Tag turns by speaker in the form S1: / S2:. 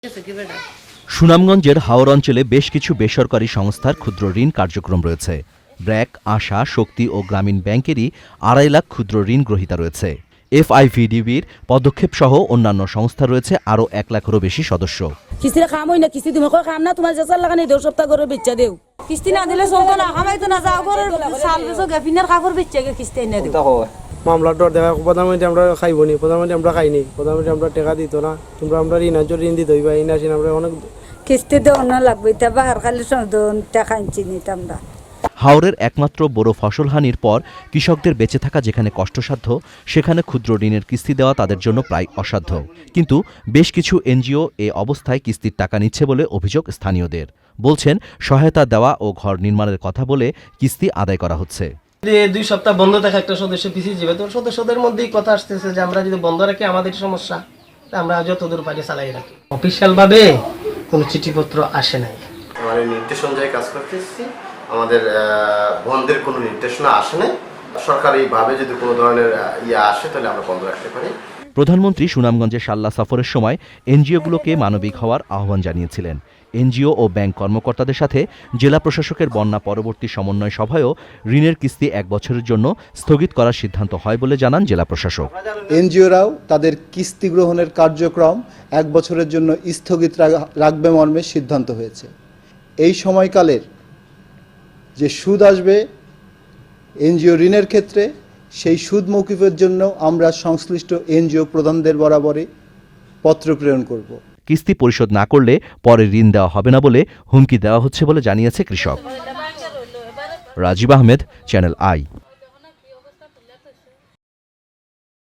S1: সুনামগঞ্জের হাওর অঞ্চলে বেশ কিছু বেসরকারি সংস্থার ক্ষুদ্র ঋণ কার্যক্রম রয়েছে। ব্র্যাক, আশা, শক্তি ও গ্রামীণ ব্যাংকেরই 2.5 লাখ ক্ষুদ্র ঋণ গ্রহীতা রয়েছে। এফআইভিডিবির পদক্ষেপ সহ অন্যান্য সংস্থা রয়েছে আরও 1 লাখেরও বেশি সদস্য।
S2: কিস্তির কাম হয় না, কিস্তি তুমি কাম না, তোমার যে লাগানি 2 সপ্তাহ করে বেচা দেও। কিস্তি না দিলে চলতো না, খামাইতো না, যাও ঘরের চাল বেচো, গেফিনের কাপড় বেচে কিস্তি এনে দেও।
S3: মামলার ডর দেখা প্রধানমন্ত্রী আমরা খাইবনি, প্রধানমন্ত্রী আমরা খাইনি, প্রধানমন্ত্রী আমরা টাকা দিত না, তোমরা আমরা ঋণ দিতে হইবা, এই আসেন আমরা অনেক
S2: কিস্তি দেওয়া না লাগবে, তা বাহার খালি টাকা আনছি নিতাম না।
S1: হাওরের একমাত্র বড় ফসলহানির পর কৃষকদের বেঁচে থাকা যেখানে কষ্টসাধ্য, সেখানে ক্ষুদ্র ঋণের কিস্তি দেওয়া তাদের জন্য প্রায় অসাধ্য। কিন্তু বেশ কিছু এনজিও এ অবস্থায় কিস্তির টাকা নিচ্ছে বলে অভিযোগ স্থানীয়দের। বলছেন, সহায়তা দেওয়া ও ঘর নির্মাণের কথা বলে কিস্তি আদায় করা হচ্ছে।
S4: 2 সপ্তাহ বন্ধ থাকা একটা সদস্য পিছিয়ে যাবে, তো সদস্যদের মধ্যেই কথা আসতেছে যে আমরা যদি বন্ধ রাখি আমাদের সমস্যা, আমরা যতদূর পারি চালাই রাখি। অফিসিয়াল ভাবে কোনো চিঠিপত্র আসে নাই।
S5: আমাদের নির্দেশ অনুযায়ী কাজ করতেছি, আমাদের বন্ধের কোনো নির্দেশনা আসে নাই। সরকারিভাবে যদি কোনো ধরনের আসে তাহলে আমরা বন্ধ রাখতে পারি।
S1: প্রধানমন্ত্রী সুনামগঞ্জে সাল্লা সফরের সময় এনজিওগুলোকে মানবিক হওয়ার আহ্বান জানিয়েছিলেন। এনজিও ও ব্যাংক কর্মকর্তাদের সাথে জেলা প্রশাসকের বন্যা পরবর্তী সমন্বয় সভায়ও ঋণের কিস্তি 1 বছরের জন্য স্থগিত করার সিদ্ধান্ত হয় বলে জানান জেলা প্রশাসক।
S6: এনজিওরাও তাদের কিস্তি গ্রহণের কার্যক্রম 1 বছরের জন্য স্থগিত রাখবে মর্মে সিদ্ধান্ত হয়েছে। এই সময়কালের যে সুদ আসবে এনজিও ঋণের ক্ষেত্রে, সেই সুদ মৌকুফের জন্য আমরা সংশ্লিষ্ট এনজিও প্রধানদের বরাবরই পত্র প্রেরণ করব।
S1: কিস্তি পরিশোধ না করলে পরে ঋণ দেওয়া হবে না বলে হুমকি দেওয়া হচ্ছে বলে জানিয়েছে কৃষক। Rajib Ahmed, channel I.